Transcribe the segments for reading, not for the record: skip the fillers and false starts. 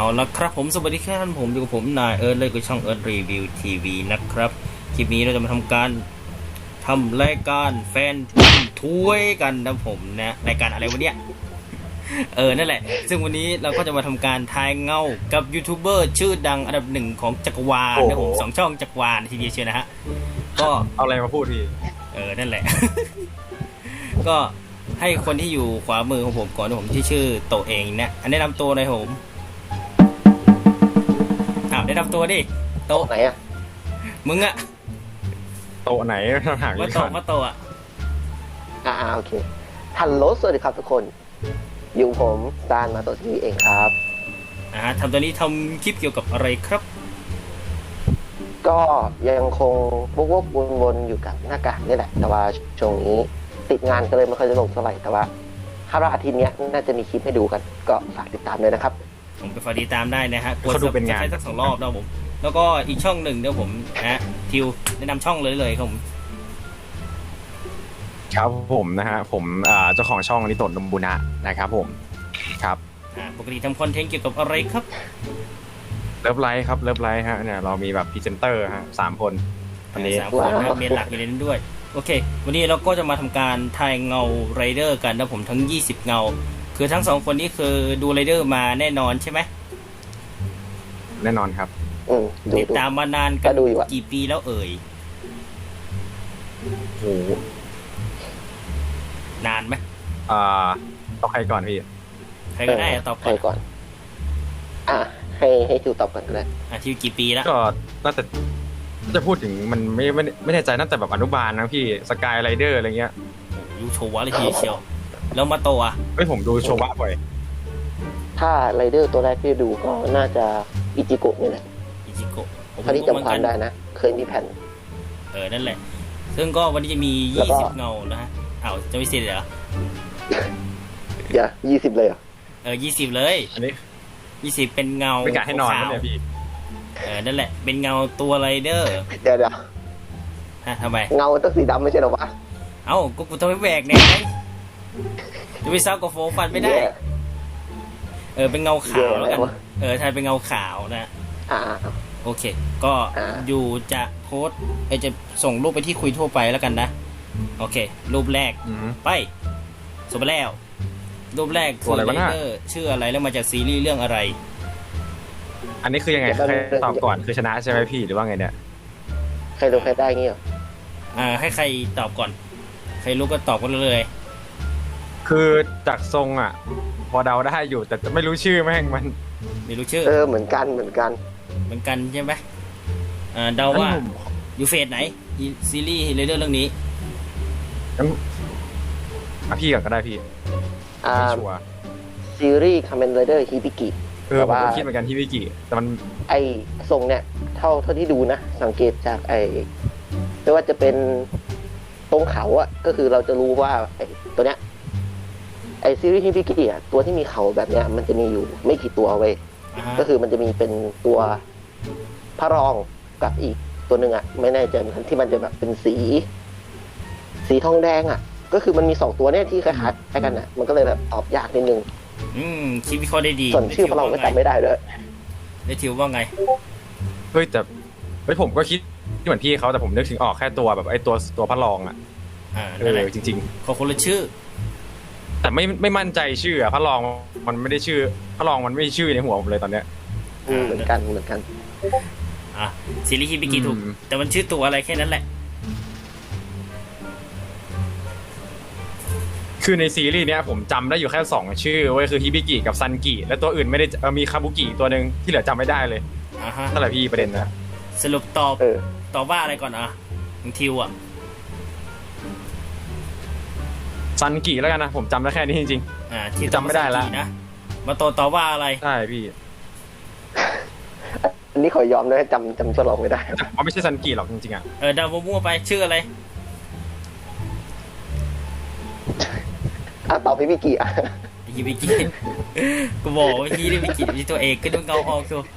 ละครับผมสวัสดีครับผมอยู่กับผมนายเอิร์ธเลยกับช่องเอิร์ธรีวิวทีวีนะครับคลิปนี้เราจะมาทำการทำรายการแฟนถ้วยกันนะผมนะรายการอะไรวะเนี่ยนั่นแหละซึ่งวันนี้เราก็จะมาทำการทายเงากับยูทูบเบอร์ชื่อดังอันดับหนึ่งของจักรวาลนะผม2 ช่องจักรวาลทีเดียวเชียวนะฮะก็เอาอะไรมาพูดพี่นั่นแหละ ก็ให้คนที่อยู่ขวามือของผมก่อนนะผมที่ชื่อโตเองนะอันแนะนำตัวหน่อยผมแนะนำตัวดิโตไหนอะมึงอะโตไหนห่างมาโตมาโตอะโอเคฮัลโหลสวัสดีครับทุกคนอยู่ผมซานมาโตที่เองครับทำตัวนี้ทำคลิปเกี่ยวกับอะไรครับก็ยังคงวกวนๆอยู่กับหน้ากากนี่แหละแต่ว่าช่วงนี้ติดงานก็เลยไม่ค่อยจะลงเท่าไหร่แต่ว่าคาดว่าอาทิตย์นี้น่าจะมีคลิปให้ดูกันก็ฝากติดตามเลยนะครับผมไปฝากติดตามได้นะฮะกดดูเป็นงานสัก2 รอบนะผมแล้วก็อีกช่องหนึ่งเดี๋ยวผมทิวแนะนำช่องเลยครับผมครับผมนะฮะผมเจ้าของช่องนิโตะนมบุนะนะครับผมครับปกติทำคอนเทนต์เกี่ยวกับอะไรครับเลิฟไลท์ครับเลิฟไลท์ฮะเนี่ยเรามีแบบพรีเซนเตอร์ฮะ3 คนวันนี้3 คนนะเมนหลักอยู่ในนั้นด้วยโอเควันนี้เราก็จะมาทำการทายเงาไรเดอร์กันนะผมทั้ง20เงาคือทั้ง2 คนนี้คือดูไรเดอร์มาแน่นอนใช่ไหมแน่นอนครับติดตามมานานกันกี่ปีแล้วเอ่ยโอ้นานไหมต้องใครก่อนพี่ใครก็ได้ตอบก่อนให้ทิวตอบก่อนก็ได้ทิวกี่ปีแล้วก็น่าจะพูดถึงมันไม่แน่ใจน่าจะแบบอนุบาลนะพี่สกายไรเดอร์อะไรเงี้ยยูโชวะเลยทีเชียวแล้วมาโตอ่ะผมดูโชวะบ่อยถ้าไรเดอร์ตัวแรกที่ดูก็น่าจะอิจิโกะนี่แหละอิจิโกะถ้าที่จำความได้นะเคยมีแผ่นนั่นแหละซึ่งก็วันนี้จะมี20เงานะฮะจะไม่เสร็จเหรออย่า20เลยเหรอ 20เลยอันนี้ 20เป็นเงาไม่กะให้นอนเนี่ยพี่นั่นแหละเป็นเงาตัวไรเดอร์เดี๋ยวทำไมเงาต้องสีดำไม่ใช่หรอวะก็กูต้องไปแหวกเนี่ยจะไปซ้ำกับโฟฟันไม่ได้เป็นเงาขาวแล้วกันทายเป็นเงาขาวนะโอเคก็อยู่จะโพสจะส่งรูปไปที่คุยทั่วไปแล้วกันนะโอเครูปแรกไปส่งไปแล้วรูปแรกคือไรเดอร์ชื่ออะไรแล้วมาจากซีรีส์เรื่องอะไรอันนี้คือยังไงใครตอบก่อนคือชนะใช่ไหมพี่หรือว่าไงเนี่ยใครรู้ใครได้งี้เหรอให้ใครตอบก่อนใครรู้ก็ตอบกันเลยคือจากทรงพอเดาได้อยู่แต่ไม่รู้ชื่อแม่งมันไม่รู้ชื่อเหมือนกันใช่ไหมเดาว่าอยู่เฟสไหนซีรีส์เรื่องนี้พี่ก่อนก็ได้พี่ไม่ชัวร์ซีรีส์คาเมนไรเดอร์ฮิบิกิผมคิดเหมือนกันฮิบิกิแต่มันทรงเนี่ยเท่าที่ดูนะสังเกตจากไม่ว่าจะเป็นตรงเขาก็คือเราจะรู้ว่าตัวเนี้ยซีรีส์ฮิบิกิตัวที่มีเขาแบบเนี้ยมันจะมีอยู่ไม่กี่ตัวเว้ยก็คือมันจะมีเป็นตัวพระรองกับอีกตัวหนึ่งไม่แน่ใจเหมือนกันที่มันจะแบบเป็นสีทองแดงก็คือมันมี2 ตัวเนี่ยที่คล้ายๆกันมันก็เลยแบบตอบยากนิดนึงคิดวิเคราะห์ได้ดีส่วนชื่อพระรองก็จำไม่ได้เลยได้ทิวว่าไงแต่ผมก็คิดเหมือนพี่เขาแต่ผมนึกถึงออกแค่ตัวแบบตัวพระรองจริงๆเขาคนละชื่อแต่ไม่มั่นใจชื่อพระรองมันไม่ได้ชื่อพระรองมันไม่ชื่อในหัวผมเลยตอนเนี้ยเหมือนกันซีรีส์ฮิบิกิถูกแต่มันชื่อตัวอะไรแค่นั้นแหละคือในซีรีส์เนี้ยผมจำได้อยู่แค่2 ชื่อเว้ยคือฮิบิกิกับซันกิและตัวอื่นไม่ได้มีคาบุกิตัวนึงที่เหลือจำไม่ได้เลยนั่นแหละพี่ประเด็นนะสรุปตอบว่าอะไรก่อนทิวซันกิแล้วกันนะผมจำได้แค่นี้จริงๆที่จำไม่ได้แล้วนะมาตอบว่าอะไรใช่พี่อันนี้ขอยอมนะจำชื่อเราไม่ได้มันไม่ใช่ซันกิหรอกจริงๆดาวมั่วไปชื่ออะไรตอบฮิบิกิฮิบิกิกูบอกว่าฮิบิกิมีตัวเอกขึ้นเงาออกตัว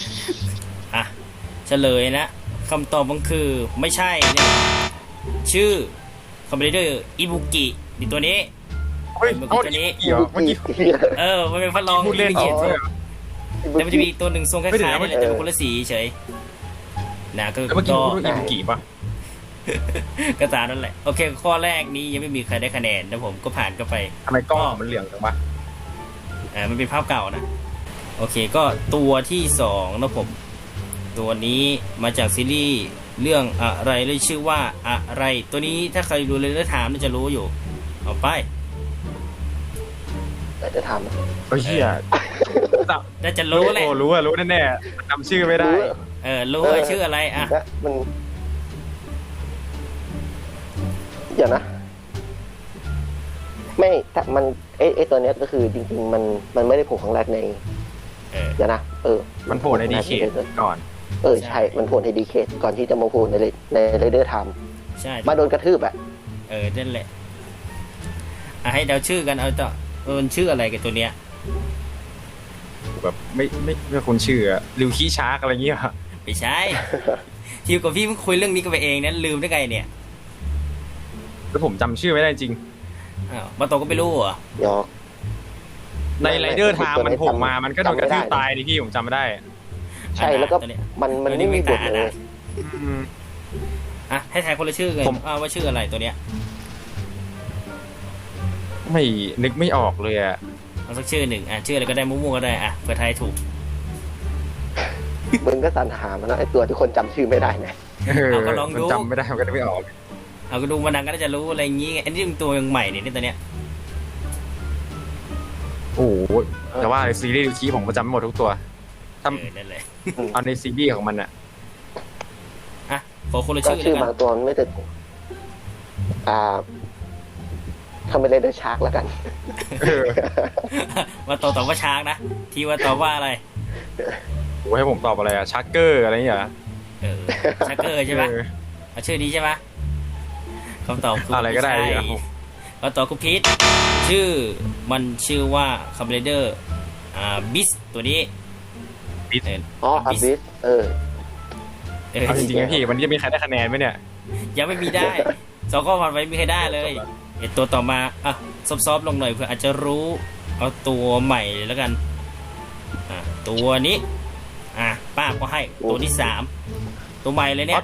เฉลยนะคำตอบมันคือไม่ใช่เนี่ยชื่อคอมเมดี้อิบุกินี่ตัวนี้มันตัวนี้มันเป็นพระรองพูดเล่นแต่มันจะมีอีกตัวหนึ่งทรงคล้ายๆนี่แหละแต่เป็นคนละสีเฉยนะก็แล้วเมื่อกี้ก็คุณรู้อิบุกิปะก็ตามนั่นแหละโอเคข้อแรกนี้ยังไม่มีใครได้คะแนนนะผมก็ผ่านก็ไปทำไมกล้องมันเหลืองจังวะมันเป็นภาพเก่านะโอเคก็ตัวที่สองนะผมตัวนี้มาจากซีรีส์เรื่องอะไรเลยชื่อว่าอะไรตัวนี้ถ้าใครดูเลยแล้วถามน่าจะรู้อยู่เอาไปแต่จะทเฮ้ยเหี้ยน่าจะรู้แหละโอ้รู้อะรู้แน่ๆจำชื่อไม่ำได้รู้ว่าชื่ออะไรอ่ะนะมันเดี๋ยวนะ ไม่แต่มันไอตัวเนี้ยก็คือจริงๆมันไม่ได้โผล่ครั้งแรกในเดี๋ยวนะมันโผล่ในดีเคก่อนใช่มันโผล่ในดีเคก่อนที่จะมาโผล่ในเรเดอร์ไทม์ใช่มาโดนกระทืบอ่ะนั่นแหละให้เดาชื่อกันเอาต่อมันชื่ออะไรกันตัวเนี้ยแบบไม่คุ้นชื่ออะริวคีชาร์กอะไรเงี้ยไม่ใช่ ทิวกับพี่เพิ่งคุยเรื่องนี้กันไปเองนั้นลืมได้ไงเนี่ยแล้วผมจำชื่อไม่ได้จริงมาโตก็ไม่รู้เหรอยอกในไรเดอร์ไทม์มันโผล่มามันก็โดนกระทืบตายดิพี่ผมจำไม่ได้ใช่แล้วก็มันไม่มีบทเลยให้ทายคนละชื่อกันว่าชื่ออะไรตัวเนี้ยไม่นึกไม่ออกเลยอะเอาสักชื่อหนึ่งชื่ออะไรก็ได้มั่วๆก็ได้เผื่อทายถูกมึงก็สรรหามันนะไอตัวที่คนจำชื่อไม่ได้นะเอาก็ลองดูมันจำไม่ได้มันก็นึกไม่ออกเอาก็ดูมานังก็น่าจะรู้อะไรอย่างงี้อันนี้เป็นตัวยังใหม่เนี่ยตัวเนี้ยโอ้โหแต่ว่าซีรีส์ริวคีผมก็จำไม่หมดทุกตัวทนั่นแหละำเอาในซีรีส์ของมันอะขอคนละก็ชื่อชื่อแล้วบากังนตัวมันไม่ติดทำเป็นเรเดอร์ชาร์กแล้วกันว่าตอบว่าช้างนะที่ว่าตอบว่าอะไรโอ้ให้ผมตอบอะไรอะชักเกอร์อะไรอย่างเงี้ยชักเกอร์ใช่ไหมเอาชื่อนี้ใช่ไหมคำตอบคืออะไรก็ได้ใช่คำตอบคือพีทชื่อมันชื่อว่าคัมเบเดอร์บิสตัวนี้อ๋ออาบิสเอาจริงๆนะพี่วันนี้จะมีใครได้คะแนนไหมเนี่ยยังไม่มีได้2ข้อผ่านไปไม่มีใครได้เลยตัวต่อมาซอฟๆลงหน่อยเพื่ออาจจะรู้เอาตัวใหม่แล้วกันตัวนี้ป้าก็ให้ตัวที่3ตัวใหม่เลยเนี่ย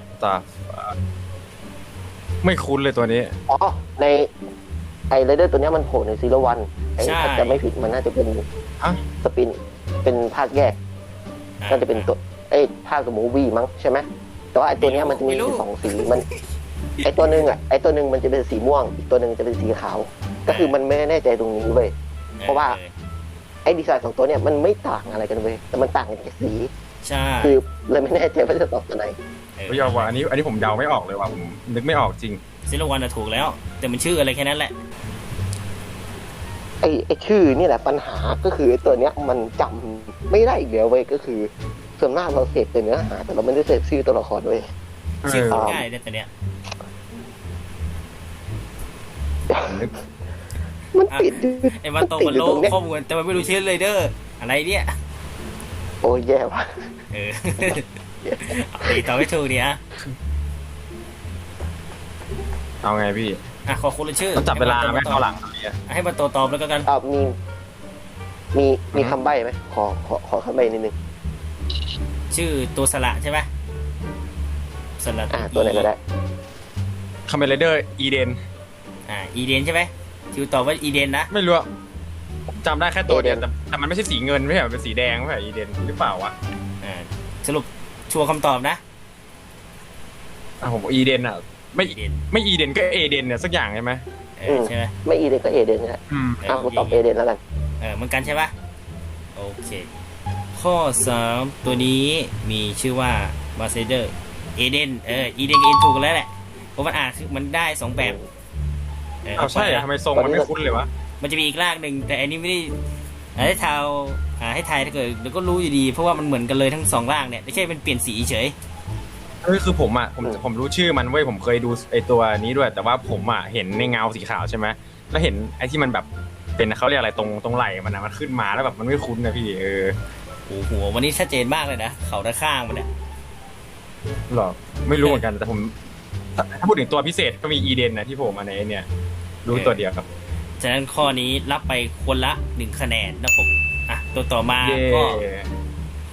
ไม่คุ้นเลยตัวนี้อ๋อในไอเรเดอร์ตัวเนี้ยมันโผล่ในซีรีส์วันถ้าจะไม่ผิดมันน่าจะเป็นสปินเป็นภาคแยกน่าจะเป็นตัวภาคกับมูวี่มั้งใช่ไหมแต่ว่าไอตัวเนี้ยมันจะมี2 สีมันไอตัวหนึ่งมันจะเป็นสีม่วงอีกตัวหนึ่งจะเป็นสีขาวก็คือมันไม่แน่ใจตรงนี้เว้ยเพราะว่าไอดีไซน์ของตัวเนี้ยมันไม่ต่างอะไรกันเว้ยแต่มันต่างกันแค่สีใช่คือเลยไม่แน่ใจว่าจะตอบตัวไหนไม่ยอมว่าอันนี้ผมเดาไม่ออกเลยว่ะผมนึกไม่ออกจริงซิลวันถูกแล้วแต่มันชื่ออะไรแค่นั้นแหละไอชื่อนี่แหละปัญหาก็คือไอตัวเนี้ยมันจำไม่ได้อีกแล้วเว้ยก็คือส่วนมากเราเสพแต่เนื้อหาแต่เราไม่ได้เสพชื่อตัวละครเว้ยชื่อง่ายแต่เนี้ยมันติดไอ้มาโตมันโลข้อมูลแต่มันไม่รู้ชื่อเลยเด้ออะไรเนี่ยโอ้ยแย่ว่ะตอบไม่ถูกเนี่ยเอาไงพี่ขอคนละชื่อต้องจับเวลาไหมเอาหลังให้มาโตตอบแล้วกันมีคำใบ้ไหมขอคำใบ้นิดนึงชื่อตัวสระใช่ไหมสระตัวไหนก็ได้คาเมเลเดอร์อีเดนอีเดนใช่ไหมทิวตอบว่าอีเดนนะไม่รู้จำได้แค่ตัวเดียวแต่มันไม่ใช่สีเงินไม่ใช่เป็นสีแดงไม่ใช่อีเดนหรือเปล่าวะสรุปชัวร์คำตอบนะผมอีเดนไม่อีเดนก็เอเดนเนี่ยสักอย่างใช่ไหมใช่ไหมไม่อีเดนก็เอเดนนะผมตอบเอเดนแล้วกันเหมือนกันใช่ปะโอเคข้อ3ตัวนี้มีชื่อว่ามาเซเดอร์เอเดนอีเดนกับเอเดนถูกแล้วแหละเพราะมันมันได้2แบบใช่ทำไมทรงมันไม่คุ้นเลยวะมันจะมีอีกรากหนึ่งแต่อันนี้ไม่ได้ให้ทายให้ทายถ้าเกิดเดี๋ยวก็รู้อยู่ดีเพราะว่ามันเหมือนกันเลยทั้ง2รากเนี่ยไม่ใช่เป็นเปลี่ยนสีเฉยคือผมรู้ชื่อมันเว้ยผมเคยดูไอตัวนี้ด้วยแต่ว่าผมเห็นในเงาสีขาวใช่ไหมแล้วเห็นไอที่มันแบบเป็นเขาเรียกอะไรตรงไหล่มันขึ้นมาแล้วแบบมันไม่คุ้นนะพี่หัววันนี้ชัดเจนมากเลยนะเขาด้านข้างมันเนี่ยหรอไม่รู้เหมือนกันแต่ผมถ้าพูดถึงตัวพิเศษก็มีอีเดนนะที่ผมมาในเนี่ยรู้ตัวเดียวครับฉะนั้นข้อนี้รับไปคนละ1คะแนนนะผมตัวต่อมาก็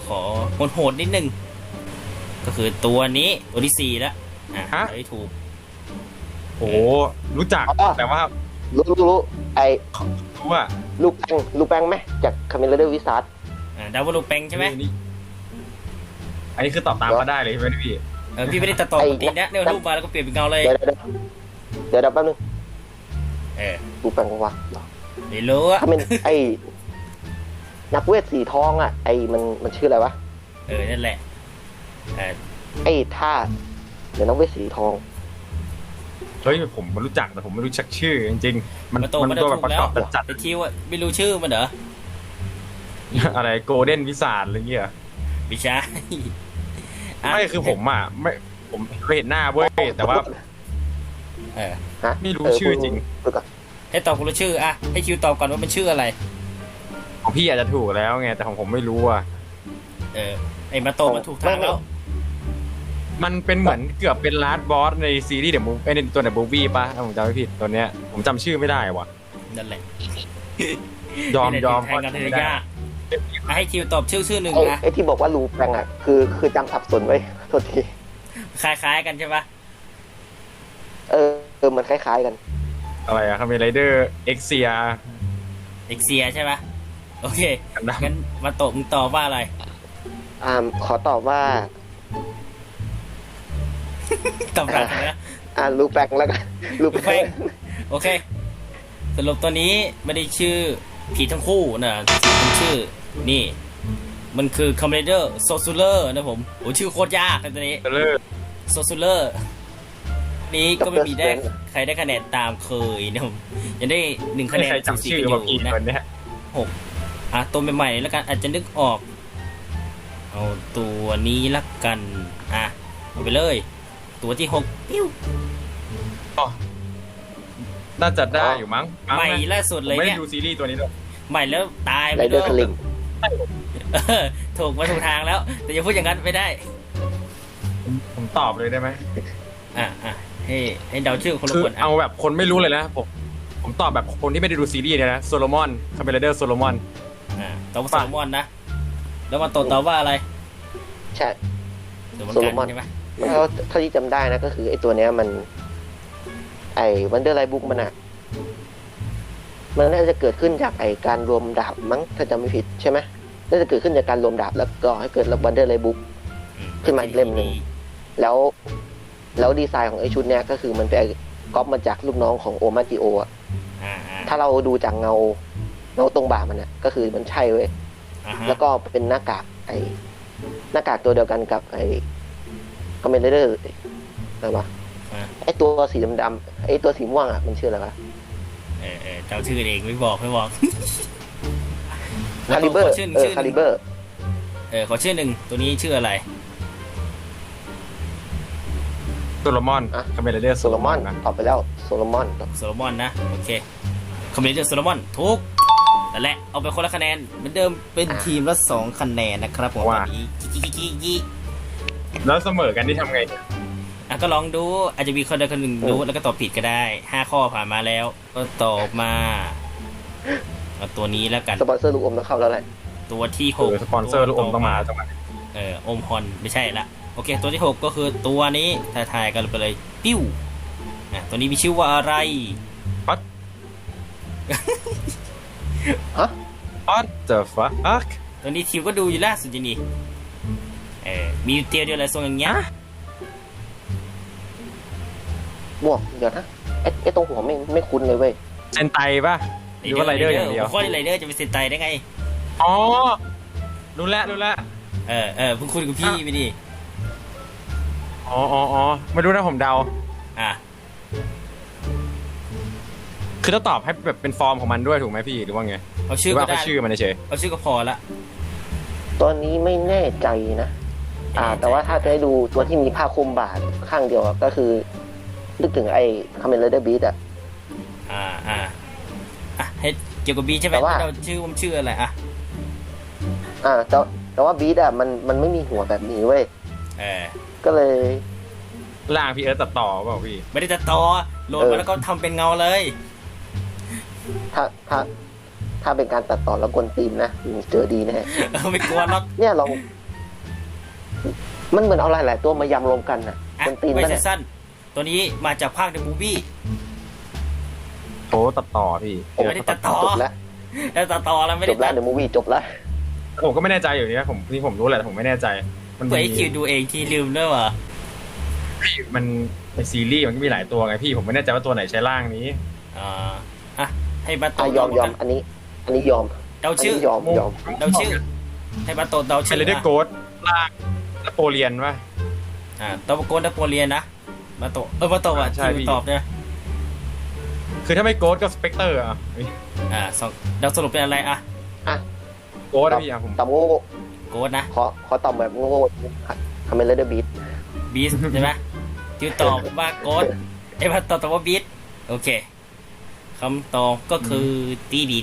ขอโหดๆนิดนึงก็คือตัวนี้ตัวที่4แล้วได้ถูกโอ้รู้จักแต่ว่ารู้ไอ้รู้ว่าลูกแป้งไหมจากคาเมลเดอร์วิซาร์ดดาวลูแปงใช่ไหมอันนี้คือตอบตามมาได้เลยใช่ไหมพี่พี่ไม่ได้ตัดต่อปกตินะเนี่ยรูปมาแล้วก็เปลี่ยนเป็นเงาเลยเดี๋ยวแป๊บนึง ลูกแป้งวะไม่รู้อะถ้าเป็นไอ้นักเวทสีทองอ่ะไอ้มันชื่ออะไรวะนั่นแหละไอ้ท่าเดี๋ยวนักเวทสีทองเฮ้ยผมรู้จักแต่ผมไม่รู้จักชื่อจริงๆมันมาโตมัมันนตัวถูแบบกประแล้กวอบจัดไอ้คิวอะไม่รู้ชื่อมันเหรอๆอะไรโกลเด้นวิสาดอะไรเงี้ยไม่ใช่ไม่คือผมอ่ะไม่ผมเคยเห็นหน้าเว้ยแต่ว่าฮะไม่รู้ชื่อจริงให้ตอบคนละชื่ออะให้คิวตอบก่อนว่ามันชื่ออะไรของพี่อาจจะถูกแล้วไงแต่ของผมไม่รู้อ่ะไอ้มาโตมันถูกทางแล้วมันเป็นเหมือนเกือบเป็นลาสบอสในซีรีส์เดอะมูฟในตัวเดอะมูฟวี่ป่ะถ้าผมจำไม่ผิดตัวเนี้ยผมจำชื่อไม่ได้ว่ะนั่นแหละยอมแทนกันเลยยากให้คิวตอบชื่อหนึ่งนะไอ้ที่บอกว่าลูแป้งอ่ะคือจำสับสนไว้โทษทีคล้ายๆกันใช่ปะมันคล้ายๆกันอะไรอะคาเมไรเดอร์เอ็กเซียเอ็กเซียใช่ปะโอเคกันดั้มงั้นมาโตมึงตอบว่าอะไรขอตอบว่าตอบรักนะลูแป้งแล้วกันลูแป้แป้งงโอเค สรุปตัวนี้ไม่ได้ชื่อผีทั้งคู่นะมันชื่อนี่ มันคือคอมเมเดอร์โซซูเลอร์นะผมโอ้ชื่อโคตรยากเลยตัวนี้เลอร์โซซูเลอร์นี้ก็ไม่มีได้ใครได้คะแนนตามเคยนะผมยังได้1คะแนนใครจำชื่อกันอมาผิดยู่นะคนเนี้ยตัวใหม่ๆแล้วกันอาจจะนึกออก เอาตัวนี้ละกันเอาไปเลย ตัวที่6ปิ้วน่าจะได้อยู่มั้งใหม่ล่าสุดผมเลยไม่เนี่ได้ยดูซีรีส์ตัวนี้ด้วยใหม่แล้วตายไปไรเดเลอร์ยสลิงถูกมาถูกทางแล้ว แต่อย่าพูดอย่างนั้นไม่ได้ผมตอบเลยได้ไหมให้เดาชื่อคนละคือคนเอาแบบคนไม่รู้เลยนะผมตอบแบบคนที่ไม่ได้ดูซีรีส์เนี่ยนะโซโลมอนคาเมไรเดอร์โซโลมอนตอบว่าโซโลมอนนะ แล้วมาตอบว่าอะไรใช่โซโลมอนใช่ไหมมันก็เท่าที่จำได้นะก็คือไอ้ตัวเนี้ยมัน ไอ้วันเดอร์ไลบุ๊กมันน่าจะเกิดขึ้นจากไอ้การรวมดาบมั้งถ้าจำไม่ผิดใช่ไหมน่าจะเกิดขึ้นจากการรวมดาบแล้วก็ให้เกิดวันเดอร์ไลบุ๊ก ขึ้นมาอีกเล่มหนึ่ง แล้วดีไซน์ของไอ้ชุดเนี้ยก็คือมันไปก๊อปมาจากลูกน้องของโอมาจิโออ่ะถ้าเราดูจากเงาตรงบ่ามันเนี่ยก็คือมันใช่เว้ยแล้วก็เป็นหน้ากากหน้ากากตัวเดียวกันกับไอ้คอมเมนเดอร์อะไรวะไอ้ตัวสีดำๆไอ้ตัวสีม่วงอ่ะมันชื่ออะไรวะเจ้าชื่อเองไม่บอกคาลิเบอร์ชื่อคาลิเบอร์ขอชื่อหนึ่งตัวนี้ชื่ออะไรโซโลมอนคาเมไรเดอร์โซโซโลโลมมออน นนะตอบไปแล้วโซโลมอนโซโลมอนนะโอเคคอมเมดี้โซโลมอนทุกนั่นแหละเอาไปคนละคะแนนเหมือนเดิมเป็นทีมละ2คะแนนนะครับผมตอนนี้ยี่แล้วเสมอกันที่ทำไงก็ลองดูอาจจะมีคนใดคนหนึ่งรู้แล้วก็ตอบผิดก็ได้5ข้อผ่านมาแล้ว ก็ตอบมาเอาตัวนี้แล้วกันสปอนเซอร์ลูกอมต้องเข้าแล้วแหละตัวที่6 สปอนเซอร์ลูกอมต้องมาจังหวะอมฮอนไม่ใช่ละโอเคตัวที่6ก็คือตัวนี้ทายกันไปเลยปิ้วตัวนี้มีชื่อว่าอะไร What the fuck ตัวนี้ทิวก็ดูอยู่ล่าสุดจีนี่มีเตียวเดียวอะไรทรงอย่างเงี้ยบวกเดี๋ยวนะไอ้ตรงหัวไม่คุ้นเลยเว้ยเซนไตป่ะหรือว่าไรเดอร์อย่างเดียวข้อไรเดอร์จะเป็นเซนไตได้ไงอ๋อรู้แล้วเพิ่งคุยกับพี่ไปดิอ๋อไม่รู้นะผมเดาคือต้องตอบให้แบบเป็นฟอร์มของมันด้วยถูกไหมพี่หรือว่าไงเอาชื่อก็ได้ชื่อมันเฉยเอาชื่อก็พอละตอนนี้ไม่แน่ใจนะแต่ว่าถ้าจะให้ดูตัวที่มีผ้าคลุมบ่าข้างเดียวก็คือนึกถึงไอ้คาเมนเดอร์บีทให้เกี่ยวกับบีใช่ไหมเราชื่ออะไรแต่ว่าบีทมันไม่มีหัวแบบนี้เว้ยก็เลยล่างพี่เอิร์ธตัดต่อเปล่าพี่ไม่ได้ตัดต่อโหลดมาแล้วก็ทำเป็นเงาเลยถ้าเป็นการตัดต่อแล้วกวนตีนนะเจอดีแน่ไม่กลัวหรอกเนี่ยมันเหมือนเอาหลายๆตัวมายำรวมกันน่ะอ่ะคนตีนไม่นั่นใช่แหละสั้นตัวนี้มาจากภาคเดอะมูฟวี่โอ้ตัดต่อพี่ไม่ได้ตัดต่อจบแล้วแล้วต่อแล้วไม่จได้บแล้วตัดเดี๋ยวมูวี่จบแล้วผมก็ไม่แน่ใจอยู่เนี่ยผมรู้แหละแต่ผมไม่แน่ใจ มันเปิดมีให้คิวดูเองทีลืมด้วยว่ะมันในซีรีส์มันก็มีหลายตัวไงพี่ผมไม่แน่ใจว่าตัวไหนใช้ร่างนี้อ่ะให้บัตโตยอมอันนี้ยอมเดาชื่อยอมเดาชื่อ ให้บัตโตเดาเชชื่อลเดอร์โกดร่างนโปเลียนป่ะตอบโกนดัปโปเลียนนะบัตโตบัตโตอ่ะใช่ที่พี่ตอบเนี่ยคือถ้าไม่โกดก็สเปกเตอร์อ่ะสองเดาสรุปเป็นอะไรอ่ะโกดนะพี่อ่ะผมตอบโง่โกดนะขอตอบแบบโง่ทำเป็นเลเดอร์บีทบีสใช่ไหมทิวตอบว่าโกดบัตโตตอบว่าบีสโอเคคำตอบก็คือตีดี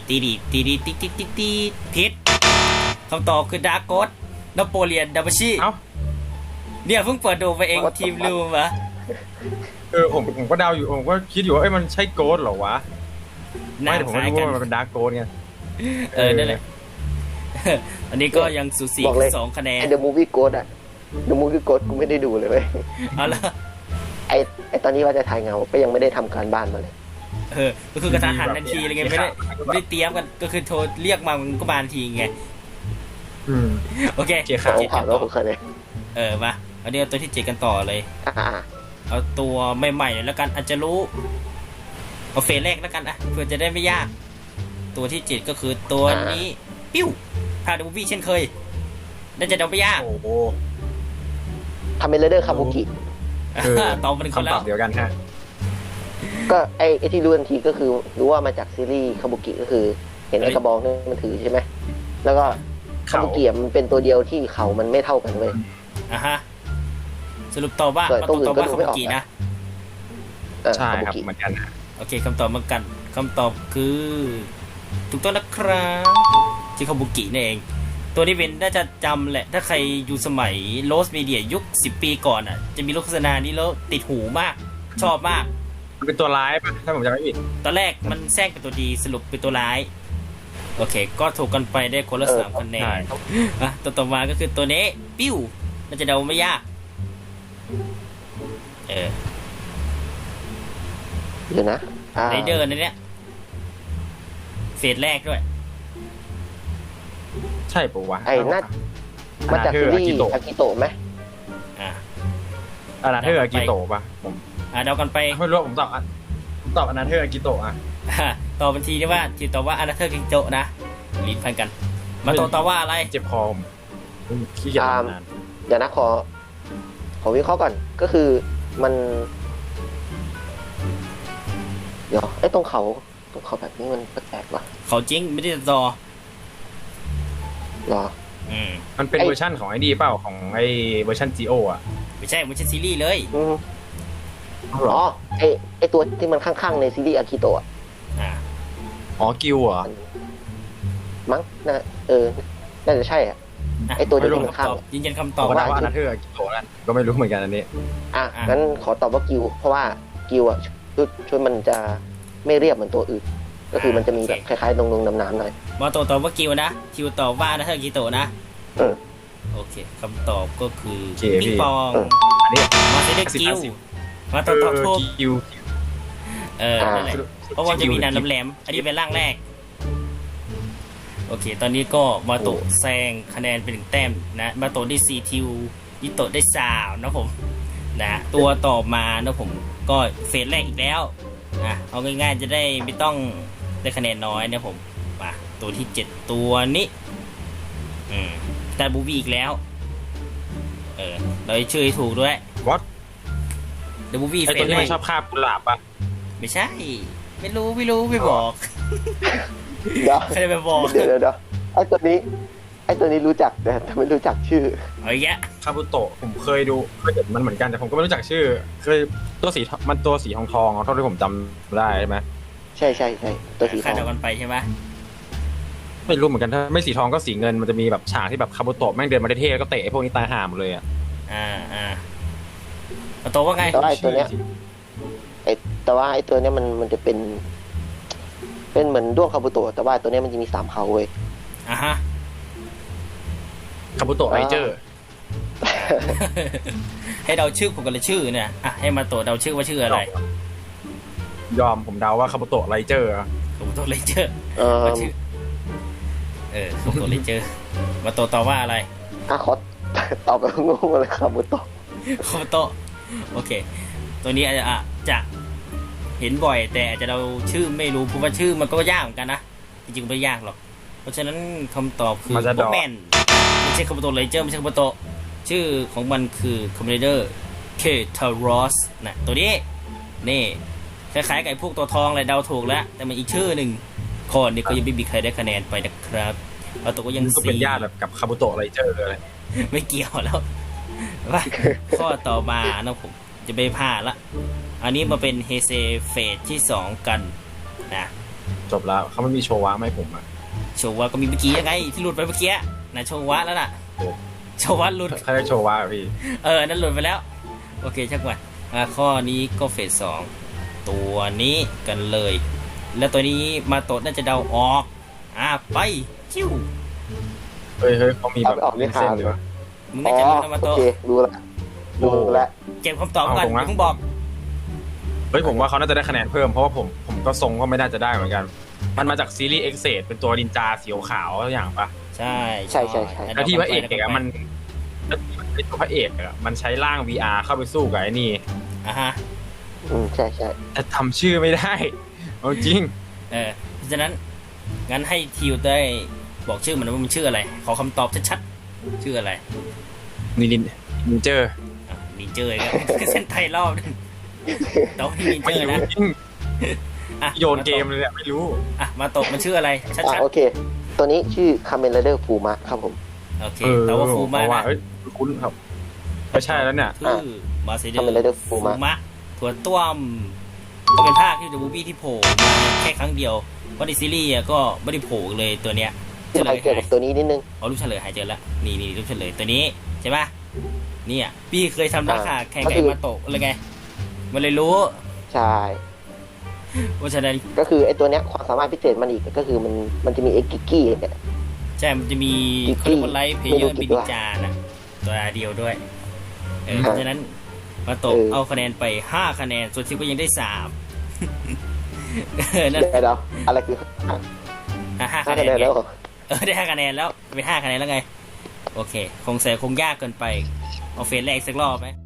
ผิดคำตอบคือดาร์กโกดนโปเลียนดับชิเอ้าเนี่ยเพิ่งเปิดดูไปเองทีมลืมวะผมก็เดาอยู่ผมก็คิดอยู่ว่ามันใช่โกดเหรอวะไม่แต่ผมไม่รู้ว่ามันเป็นดาร์กโกดไงนั่นแหละ อันนี้ก็ยังสูสี2คะแนนไอเดอะมูวี่โกดอะเดอะมูวี่โกดกูไม่ได้ดูเลยเว้ยเอาละไอตอนนี้ว่าจะถ่ายเงาก็ยังไม่ได้ทำการบ้านมาเลยก็คือกระทะหันทันทีอะไรเงี้ยไม่ได้เตรียมกันก็คือโทรเรียกมามันก็มาทันทีไง โอเคเจียข่าวผมผ่านแล้วผมเคยเลยมาอันนี้เอาตัวที่7กันต่อเลย เอาตัวใหม่ๆหน่อยแล้วกันอาจจะรู้เอาเฟสแรกแล้วกันอ่ะเพื่อจะได้ไม่ยาก ตัวที่7ก็คือตัวนี้ปิ้วพาดูวี่เช่นเคยน่าจะเดาไม่ยากโอ้โหทำเป็นเลเดอร์คาบุกิตอบเป็นคนคำแล้ตวอบเดียวกันฮะก็ไอที่รู้ทันทีก็คือรู้ว่ามาจากซีรีส์คาบุกิก็คือ เห็นไอ้กระบองนี่มันถือใช่ไหมแล้วก็คาบุกิมันเป็นตัวเดียวที่เขามันไม่เท่ากันเว้ยสรุปตอบว่าตัวอื่นตอบก็ว่าดูคาไม่บุออกกินะนะใช่คาบุครับกิเหมือนกันฮะโอเคคำตอบเหมือนกันคำตอบคือถูกต้องนะครับที่คาบุกินี่เอง ตัวนี้เป็นน่าจะจำแหละ ถ้าใครอยู่สมัยโรสมีเดียยุค10 ปีก่อนอ่ะ จะมีโฆษณานี้แล้วติดหูมาก ชอบมากมันเป็นตัวร้ายป่ะถ้าผมจำไม่ผิดตอนแรกมันแทรกเป็นตัวดีสรุปเป็นตัวร้าย โอเค ก็ถูกกันไปได้คนละ3คะแนนตัวต่อมาก็คือตัวนี้ ปิ้วน่าจะเดาไม่ยากเดี๋ยวนะไรเดอร์ในเนี้ยเฟสแรกด้วยใช่ปะวะไอ้น่ามาจากซีรีส์อากิโตะไหมอนาเธอร์อากิโตะป่ะผมเดากันไปไม่รู้ผมตอบอนาเธอร์อากิโตะอ่ะตอบบัญชีได้ว่าที่ตอบว่าอนาเธอร์กิโจนะลิ้นพันกัน มาตอบว่าอะไรเจ็บคอผมขี้เกียจทำนานเดี๋ยวนะขอวิเคราะห์ก่อนก็คือมัน เดี๋ยวไอ้ตรงเขาแบบนี้มันแปลกๆว่ะเขาจริงไม่ได้ต่อหรอมันเป็นเวอร์ชั่นของไอ้ดีเปล่าของไอ้เวอร์ชันจีโออ่ะไม่ใช่มันใช่ซีรีส์เลยอ๋อไอ้ตัวที่มันข้างๆในซีรีส์อากิโตะอ๋อกิวเหรอมั้งน่าจะใช่อ่ะ ไอ้ตัวที่มันข้างยืนยันคำตตออบบว่าว่าอนาเธอร์อากิโตะนั่นก็ไม่รู้เหมือนกันอันนี้งั้นขอตอบว่ากิวเพราะว่ากิวอ่ะชุดมันจะไม่เรียบเหมือนตัวอื่น ก็คือมันจะมีแบบคล้ายๆดงๆน้ำๆหน่อยมาตอบว่ากิวนะคิวตอบว่าอนาเธอร์กิโตนะ โอเคคำตอบก็คือปิงปองอันนี้มาเซเดกิวมาตอบถูกกิวนั่นแหละเพราะว่าจะมีนานแหลมอันนี้เป็นร่างแรก โอเค ตอนนี้ก็มาโตะแซงคะแนนเป็น1 แต้มนะมาโตะได้4ทิวยิโตะได้3นะผมนะตัวต่อมานะผมก็เฟสแรกอีกแล้วเอาง่ายๆจะได้ไม่ต้องได้คะแนนน้อยนะผมมาตัวที่7ตัวนี้แต่บูบี้อีกแล้วเราชื่อให้ถูกด้วย What เดบูบี้ไอเฟตัวสที่แรมันกชอบคาบกุหลาบป่ะไม่ใช่ ไม่รู้ไม่บอกเดี๋ยวใครไปบอกเดี๋ยวไอ้ตัวนี้รู้จักแต่ไม่รู้จักชื่อเอาอีกแล้วคาบุโตะผมเคยเห็นมันเหมือนกันแต่ผมก็ไม่รู้จักชื่อเคยตัวสีทองเท่าที่ผมจำได้ใช่ไหมใช่ตัวสีทคาอดงเดากันไปใช่ไหมไม่รู้เหมือนกันถ้าไม่สีทองก็สีเงินมันจะมีแบบฉากที่แบบคาบุโตะแม่งเดินมาเท่ๆแล้วก็เตะไอ้พวกนี้ตายห่าหมดเลยอ่ะเอาตัวว่าไงแต่ว่าไอ้ตัวเนี้ยแต่ว่าไอ้ตัวเนี้ยมันจะเป็นเหมือนด้วงคาบุโตะแต่ว่าตัวเนี้ยมันจะมี3เขาเว้ยฮะคาบุโตะไรเจอร์ให้เดาชื่อผมกันเลยชื่อเนี่ยอ่ะให้มาโตะเดาชื่อว่าชื่ออะไรยอมผมเดาว่าคาบุโตะไรเจอร์คาบุโตะเลเจอร์เออว่าชื่อคาบุโตะเลเจอร์มาโตะตอบว่าอะไรขอตอบแบบงงเลยครับบุตโตะคาบุโตะโอเค ตัวนี้อาจจะเห็นบ่อยแต่อาจจะเราชื่อไม่รู้เพราะว่าชื่อมันก็ยากเหมือนกันนะจริงๆไม่ยากหรอกเพราะฉะนั้นคำตอบคือโบแมนไม่ใช่คาบุโตะเลเจอร์ไม่ใช่คาบุโตะชื่อของมันคือคอมเมเดอร์เคทารอสนะตัวนี้นี่คล้ายๆกับไอ้พวกตัวทองเลยเดาถูกแล้วแต่มันอีกชื่อหนึ่งคนนี่ก็ยังไม่มีใครได้คะแนนไปนะครับเราตัวก็ยังก็เป็นญาติแบบกับคาบุโตะไรเจอร์เลยไม่เกี่ยวแล้วว่าข้อต่อมานะผมจะไปพลาดละอันนี้มาเป็นเฮเซเฟสที่2กันนะจบแล้วเขาไม่มีโชวะไหมาให้ผมอ่ะโชวะก็มีเมื่อกี้ยังไงที่หลุดไปเมื่อกี้นะโชวะแล้วน่ะโอ้โชวะหลุดถ้าได้โชวะอะพี่นั่นหลุดไปแล้วโอเคช่างมันข้อนี้ก็เฟส2ตัวนี้กันเลย แล้วตัวนี้มาโตดน่าจะเดาออกไปคิวเฮ้ยเขามีแบบเส้นด้วยมึงอ๋น่าอจะรู้นะมาโอโตดเครู้ละรู้ละเก็บคำตอบก่อนอย่าเพิ่งบอกเฮ้ยผมว่าเขาน่าจะได้คะแนนเพิ่มเพราะว่าผมก็ทรงก็ไม่น่าจะได้เหมือนกัน มันมาจากซีรีส์เอ็กเซดเป็นตัวนินจาสีขาวๆอย่างปะใช่ใช่แล้วที่พระเอกอะมันไอตัวพระเอกอะมันใช้ร่าง VR เข้าไปสู้กับไอ้นี่ฮะใช่แต่ทำชื่อไม่ได้เอาจริงเพราะฉะนั้นงั้นให้ทิวได้บอกชื่อมันว่ามันชื่ออะไรขอคำตอบชัดๆชื่ออะไรนินเจอร์นินเจอร์ก็เส้นไทยรอบนึงต้องนินเจไม่อร์รู้นะจริงโยนเกมเลยเนี่ยไม่รู้มาตกมันชื่ออะไรชัดโอเค ตัวนี้ชื่อคาเมนไรเดอร์ฟูมะครับผมๆโอเคแต่ว่าฟูมะนะคุ้นครับไม่ใช่แล้วเนี่ยชื่อมาเซเดอ Kamen Rider ร์ฟูมะถั่วต้วมก็เป็นภาคที่เดอะมูฟวี่ที่โผล่มาแค่ครั้งเดียวเพราะในซีรีส์ก็ไม่ได้โผล่เลยตัวเนี้ยจะไปเกี่ยวกับตัวนี้นิดนึงเอารูปเฉลยหายเจอแล้วนี่รูปเฉลยตัวนี้ใช่ปะเนี่ยพี่เคยทำราคาแข่งกับมาโตะเลยไงมันเลยรู้ใช่เพราะฉะนั้นก็คือไอ้ตัวเนี้ยความสามารถพิเศษมันอีกก็คือมันจะมีเอ็กกิกกี้เนี่ยใช่มันจะมีเขาเรียกว่าไลฟ์เพลเยอร์บินจานะตัวเดียวด้วยเพราะฉะนั้นมาโตะเอาคะแนนไป5คะแนนส่วนทิวก็ยังได้3นั่นเดี๋ยวอะไรคือ 5คะแนนแล้วได้5คะแนนแล้วเป็น5คะแนนแล้วไงโอเคคงยากเกินไปเอาเฟสแรกสักรอบไหม